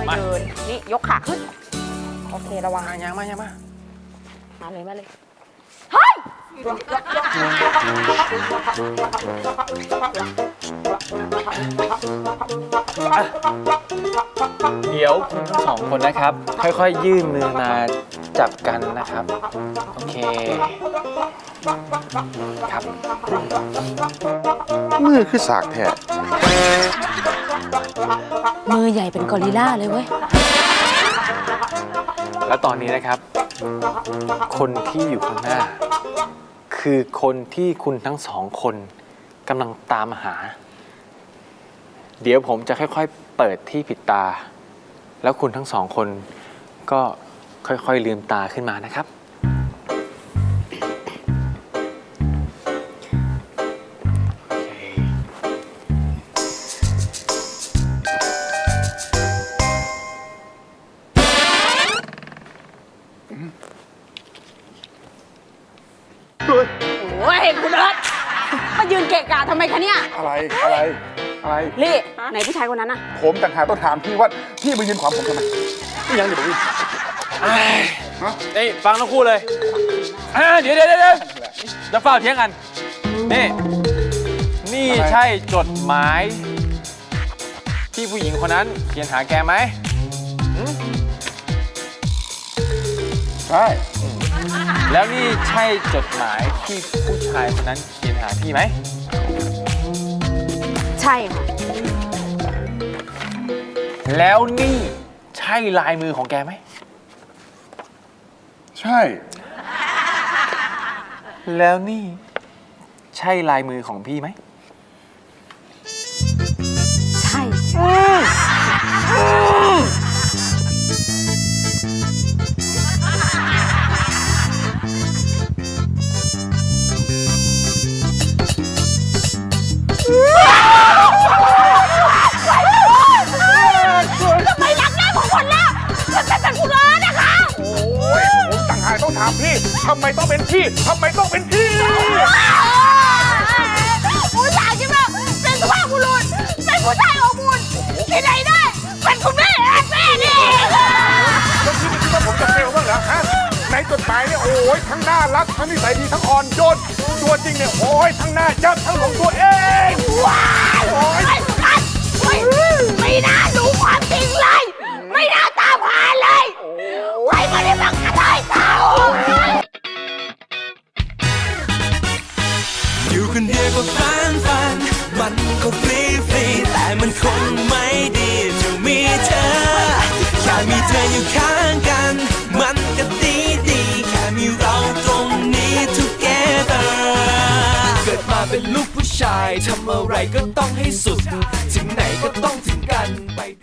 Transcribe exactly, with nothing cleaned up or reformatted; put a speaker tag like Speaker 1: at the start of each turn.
Speaker 1: อยๆเดินนี่ยกขาขึ้นโอเคระวัง
Speaker 2: ยังมายังมา
Speaker 1: มาเลยมาเลยเฮ้ย
Speaker 2: เดี๋ยวคุณทั้งสองคนนะครับ ค่อยๆยื่นมือมาจับกันนะครับโอเคครับ
Speaker 3: มือคือสากแท้
Speaker 1: มือใหญ่เป็นกอริลล่าเลยเว้ย
Speaker 2: แล้วตอนนี้นะครับ คนที่อยู่ข้างหน้า คือคนที่คุณทั้งสองคนกำลังตามหา เดี๋ยวผมจะค่อยๆเปิดที่ปิดตา แล้วคุณทั้งสองคนก็ค่อยๆลืมตาขึ้นมานะครับ
Speaker 1: โอ้ยคุณเอิร์ธมายืนเกะกะทำไมคะเนี่ย
Speaker 3: อะไรอะไรอะไร
Speaker 1: ลี่ไหนผู้ชายคนนั้นอะ
Speaker 3: ผมต่างหากต้องถามพี่ว่าพี่มายืนขวางผมทำไมพี่ยังเดี๋ยวผม
Speaker 2: นี่ฟังทั้งคู่เลยเดี๋ยวเดี๋ยวเดี๋ยวจะเฝ้าเที่ยงกันนี่นี่ใช่จดหมายที่ผู้หญิงคนนั้นเขียนหาแกไหม
Speaker 3: ใช่
Speaker 2: แล้วนี่ใช่จดหมายที่ผู้ชายคนนั้นเขียนหาพี่ไหม
Speaker 1: ใช่ค่ะ
Speaker 2: แล้วนี่ใช่ลายมือของแกไหม
Speaker 3: ใช่
Speaker 2: แล้วนี่ใช่ลายมือของพี่ไหม
Speaker 1: ใช่ทำไมรักแม่ของคนแล้วฉันเป็นคุณเอิร์ธนะคะ
Speaker 3: โอ้ยผมต่างหากต้องถามพี่ทำไมต้องเป็นพี่ทำไมต้องเป็นพี่
Speaker 1: ผู้ชายใช่ไหมเป็นสุภาพบุรุษเป็นผู้ชายอบอุ่นที่ไหนได้เป็นคุณแม่แอนแม่นี่
Speaker 3: แล้วพี่ไม่คิดว่าผมจะเฟลบ้างเหรอฮะในจดหมายเนี่ยโอ้ยทั้งน่ารักทั้งนิสัยดีทั้งอ่อนโยนตัวจริงเนี่ยโอ้ยทั้งหน้ายับทั้งหลงตัวเอง
Speaker 1: ว้าวโอ้ยไม่น่ารู้ความจริงเลยไม่น่าตามหาเลยไว้มาได้บังคับให้เขา
Speaker 4: อยู่คนเดียวก็ฟันฟันมันก็ฟรีฟรีแต่มันคงไม่ดีจะมีเธอแค่มีเธออยู่ข้างกันมันก็ดีดีแค่มีเราตรงนี้ together เกิดมาเป็นลูกผู้ชายทำอะไรก็ต้องให้สุดถึงไหนก็ต้องถึงกันไป